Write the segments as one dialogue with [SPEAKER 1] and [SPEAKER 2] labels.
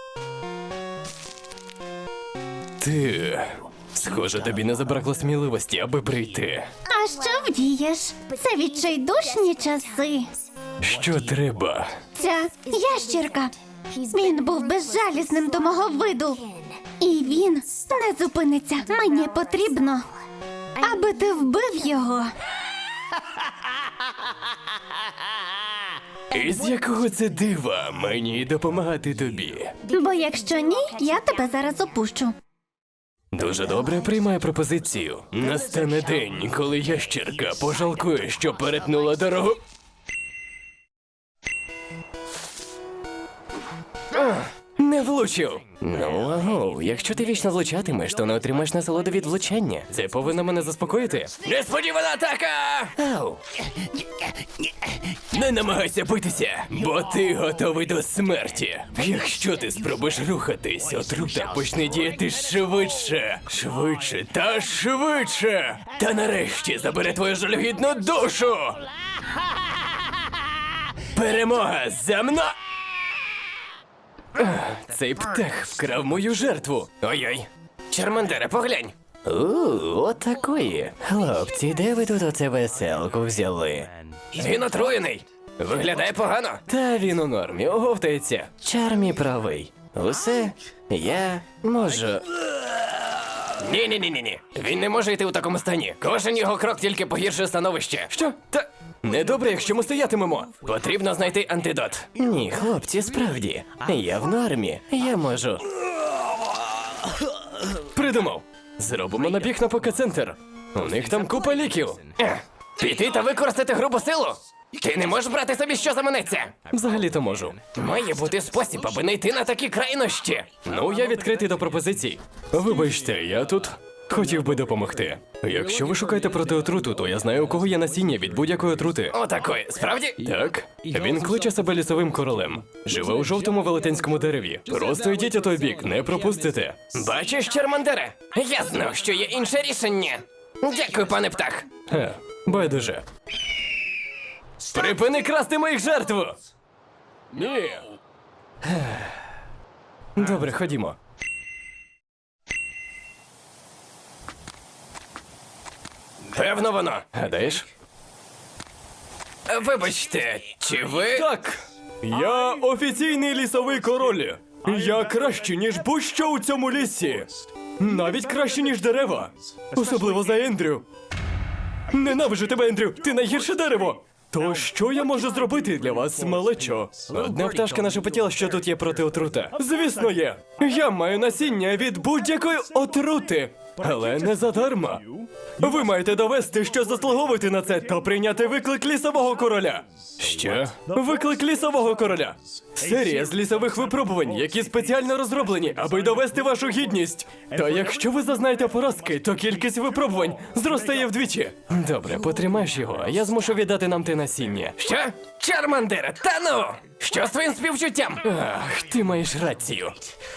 [SPEAKER 1] Ти... Схоже, тобі не забракло сміливості, аби прийти.
[SPEAKER 2] А що вдієш? Це відчайдушні часи.
[SPEAKER 1] Що треба?
[SPEAKER 2] Ця ящірка. Він був безжалісним до мого виду. І він не зупиниться. Мені потрібно, аби ти вбив його.
[SPEAKER 1] І з якого це дива мені допомагати тобі?
[SPEAKER 2] Бо якщо ні, я тебе зараз опущу.
[SPEAKER 1] Дуже добре, приймаю пропозицію. Настане день, коли ящірка пожалкує, що перетнула дорогу. Не влучив. Ну, агов, якщо ти вічно влучатимеш, то не отримаєш насолоду від влучання. Це повинно мене заспокоїти. Несподівана атака! Ау! Не намагайся битися, бо ти готовий до смерті. Якщо ти спробуєш рухатись, отрута почне діяти швидше. Швидше та швидше. Та нарешті забере твою жалюгідну душу. Перемога за мною! Цей птах вкрав мою жертву. Ой-ой. Чармандере, поглянь. Отакої. Хлопці, де ви тут оце веселку взяли? Він отруєний. Виглядає погано. Та він у нормі, оговтається. Чармі правий. Усе я можу. Ні. Він не може йти у такому стані. Кожен його крок тільки погіршує становище. Що? Та недобре, якщо ми стоятимемо. Потрібно знайти антидот. Ні, хлопці, справді. Я в нормі. Я можу. Придумав. Зробимо набіг на ПК-центр. У них там купа ліків. Піти та використати грубу силу? Ти не можеш брати собі, що заманеться. Взагалі-то можу. Має бути спосіб, аби не йти на такі крайнощі. Ну, я відкритий до пропозицій. Вибачте, я тут хотів би допомогти. Якщо ви шукаєте проти отруту, то я знаю, у кого є насіння від будь-якої отрути. Отакої, справді? Так. Він кличе себе лісовим королем. Живе у жовтому велетенському дереві. Просто йдіть у той бік, не пропустите. Бачиш, Чармандере? Я знав, що є інше рішення. Дякую, пане птах. Байдуже. Припини красти моїх жертв! Ні. Добре, ходімо. Певно воно. Гадаєш? Вибачте, чи ви... Так, я офіційний лісовий король. Я краще, ніж будь-що у цьому лісі. Навіть краще, ніж дерева. Особливо за Ендрю. Ненавиджу тебе, Ендрю, ти найгірше дерево. То що я можу зробити для вас, малечо? Одна пташка нашепотіла, що тут є проти отрута. Звісно, є. Я маю насіння від будь-якої отрути. Але не задарма. Ви маєте довести, що заслуговуєте на це, та прийняти виклик лісового короля. Що? Виклик лісового короля. Серія з лісових випробувань, які спеціально розроблені, аби довести вашу гідність. Та якщо ви зазнаєте поразки, то кількість випробувань зростає вдвічі. Добре, потримаєш його, а я змушу віддати нам те насіння. Що? Чармандере, та ну! Що з твоїм співчуттям? Ах, ти маєш рацію.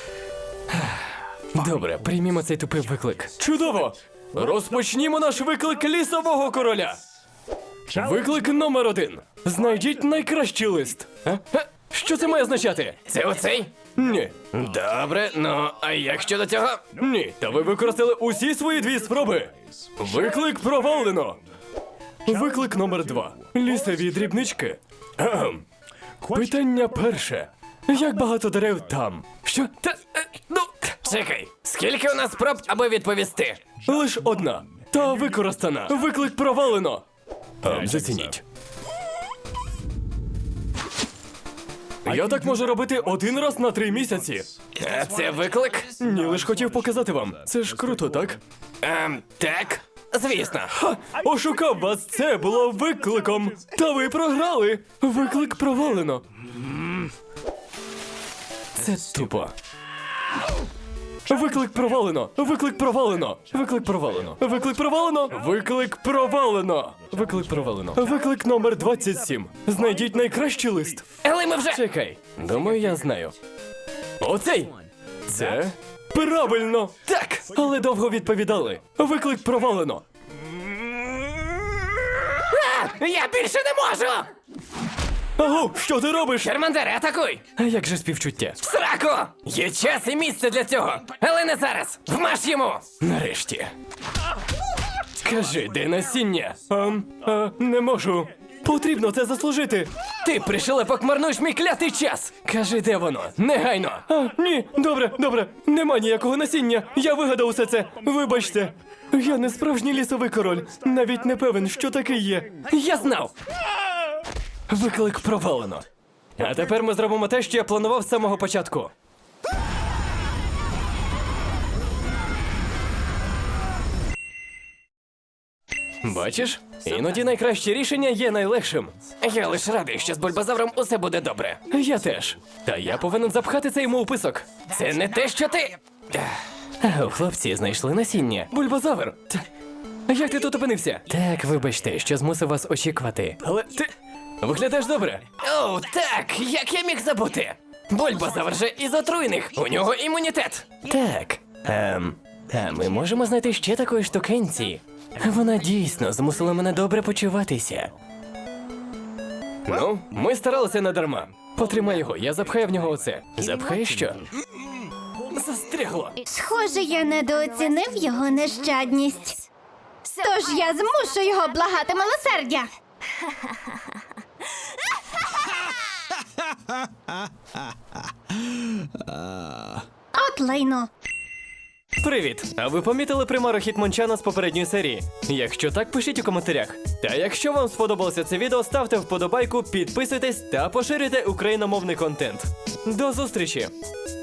[SPEAKER 1] Добре, приймімо цей тупий виклик. Чудово! Розпочнімо наш виклик лісового короля. Виклик номер 1. Знайдіть найкращий лист. Що це має означати? Це оцей? Ні. Добре, ну, а як щодо цього? Ні, та ви використали усі свої 2 спроби. Виклик провалено. Виклик номер 2. Лісові дрібнички. Питання перше. Як багато дерев там? Що? Ну, чекай, скільки у нас спроб, аби відповісти? Лиш 1. Та використана. Виклик провалено. Зацініть. Я так можу робити 1 раз на 3 місяці. А це виклик? Ні, лиш хотів показати вам. Це ж круто, так? Так. Звісно. Ошукав вас, це було викликом. Та ви програли. Виклик провалено. Це тупо. Виклик провалено! Виклик провалено! Виклик провалено! Виклик провалено! Виклик провалено! Виклик провалено! Виклик номер 27. Знайдіть найкращий лист. Але ми вже... Чекай. Думаю, я знаю. Оцей! Це... Правильно! Так! Але довго відповідали. Виклик провалено. Я більше не можу! Аго, що ти робиш?
[SPEAKER 3] Чармандере, атакуй!
[SPEAKER 1] А як же співчуття?
[SPEAKER 3] В сраку! Є час і місце для цього, але не зараз! Вмаж йому!
[SPEAKER 1] Нарешті. Скажи, де насіння? Не можу. Потрібно це заслужити.
[SPEAKER 3] Ти пришелепок марнуєш мій клятий час! Кажи, де воно? Негайно!
[SPEAKER 1] Ні, добре. Нема ніякого насіння. Я вигадав усе це. Вибачте. Я не справжній лісовий король. Навіть не певен, що такий є.
[SPEAKER 3] Я знав!
[SPEAKER 1] Виклик провалено. А тепер ми зробимо те, що я планував з самого початку. Бачиш? Іноді найкраще рішення є найлегшим.
[SPEAKER 3] Я лише радий, що з бульбазавром усе буде добре.
[SPEAKER 1] Я теж. Та я повинен запхати це йому у писок.
[SPEAKER 3] Це не те, що ти.
[SPEAKER 1] Хлопці знайшли насіння. Бульбазавр. Як ти тут опинився? Так, вибачте, що змусив вас очікувати. Але ти виглядаєш добре.
[SPEAKER 3] О, так, як я міг забути? Бульбазавр же із отруйних, у нього імунітет.
[SPEAKER 1] Так. А ми можемо знайти ще такої штукенці. Вона дійсно змусила мене добре почуватися. Ну, ми старалися надарма. Потримай його, я запхаю в нього оце. Запхаєш що? Застрягло.
[SPEAKER 2] Схоже, я недооцінив його нещадність. Тож я змушу його благати милосердя. От лайно.
[SPEAKER 1] Привіт! А ви помітили примару Хітмончана з попередньої серії? Якщо так, пишіть у коментарях. Та якщо вам сподобалося це відео, ставте вподобайку, підписуйтесь та поширюйте україномовний контент. До зустрічі!